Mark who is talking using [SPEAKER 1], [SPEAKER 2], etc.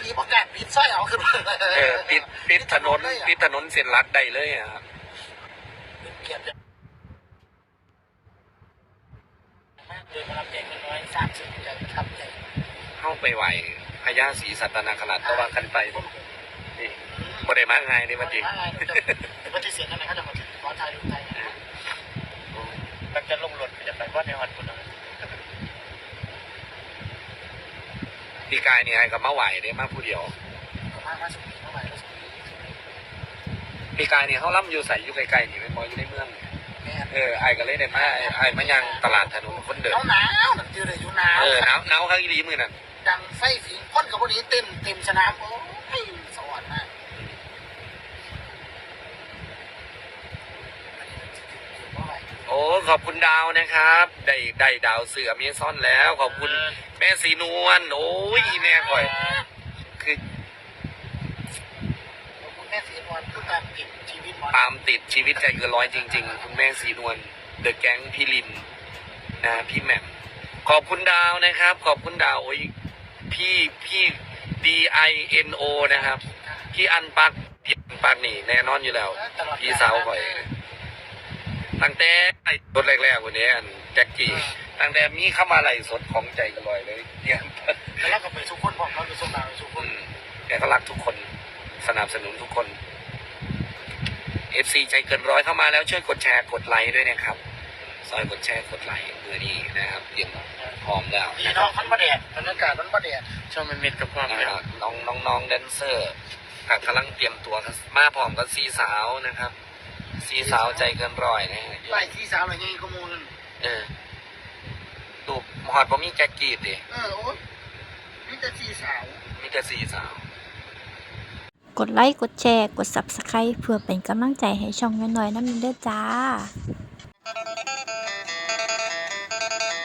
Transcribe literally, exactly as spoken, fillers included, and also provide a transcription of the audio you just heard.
[SPEAKER 1] ตีประกาศปิดสร้อยเอาขึ้นมา
[SPEAKER 2] เออปิดปิดถนนปิดถนนเส้นลัดได้เลยอ่ะครับ
[SPEAKER 1] เกียรติมากเลยมารับเด็กน้อยสามสิบใจครับใจ
[SPEAKER 2] เข้าไปไหวพญาศรีสัตนาขนาดตะวันกันไปนี่บ่ได้มาง่ายนี่มันจริง
[SPEAKER 1] แต่ปฏิเสธนั่นแหละเขาจะมาขอถ่ายรูปไทยมันจะลงหล่นจะไปว่าในวันคุณนะ
[SPEAKER 2] ปีกายนี่ไอ้กับมาไหวได้มาผู้เดียว
[SPEAKER 1] มามาสุดมาไหว
[SPEAKER 2] ปีกายนี่เขาล่ำอยู่ใส่อยู่ไกลๆนี่ไม่พออยู่ในเมืองเออไอ้ก็เลยได้มาไอ้มายังตลาดถนนคนเดิน
[SPEAKER 1] หนาวหนาวจืดเลยอยู่หนาว
[SPEAKER 2] เออหนาวหนาวข้างอีรีมือนั่น
[SPEAKER 1] ดังไฟฝีพ่นกับพวกนี้เต็มเต็มสนามโอ้ยสวรรค์มาก
[SPEAKER 2] โอ้ขอบคุณดาวนะครับได้ได้ดาวเสือเมียซ่อนแล้วขอบคุณแม่สีนวลโอ้ยแม่ก่อยคือ
[SPEAKER 1] ขอบคุณแม่สีนวลผู้ตามติดชีวิต
[SPEAKER 2] ตามติดชีวิตใจเกินร้อยจริงๆคุณแม่สีนวลเดอะแก๊งพี่ลินนะพี่แหม่มขอบคุณดาวนะครับขอบคุณดาวโอ้ยพี่พี่ D I N O นะครับพี่อันปักพี่อันปักนี่แน่นอนอยู่แล้วพี่สาวก่อยตั้งแต่รถแรกๆวันนี้อันแจ็คกี้ตั้งแต่มีเข้ามาไหลสดของใจกันลอยเลยเนี่ย
[SPEAKER 1] แล้วเราก็ไปทุกคนพร้อมเราไปส่งดาวทุกคน
[SPEAKER 2] แกก็รักทุกคนสนับสนุนทุกคน เอฟ ซี ใจเกินร้อยเข้ามาแล้วช่วยกดแชร์กดไลค์ด้วยนะครับซอยกดแชร์กดไลค์มือนี้นะครับเตรียมพร้อมแล้ว
[SPEAKER 1] นี่น้องมันประเดี๋ยวบรรยากาศมันประเดี๋ยว
[SPEAKER 2] ชอบมันเม็ดกับความน้องน้องน้องแดนเซอร์กำลังเตรียมตัวมาพร้อมกับสีสาวนะครับสีสาวใจเกินร้อยนะ
[SPEAKER 1] ไล่สีสาวอะไรเงี้ยขโมย
[SPEAKER 2] เออดูหอดผมมีแจ็คกี้ดิ
[SPEAKER 1] เออโอ้มีแต่สีสาว
[SPEAKER 2] มีแต่สีสาว
[SPEAKER 3] กดไลค์กดแชร์กด ซับสไครบ์ เพื่อเป็นกำลังใจให้ช่องน้อยๆน้ำมันเด้อจ้า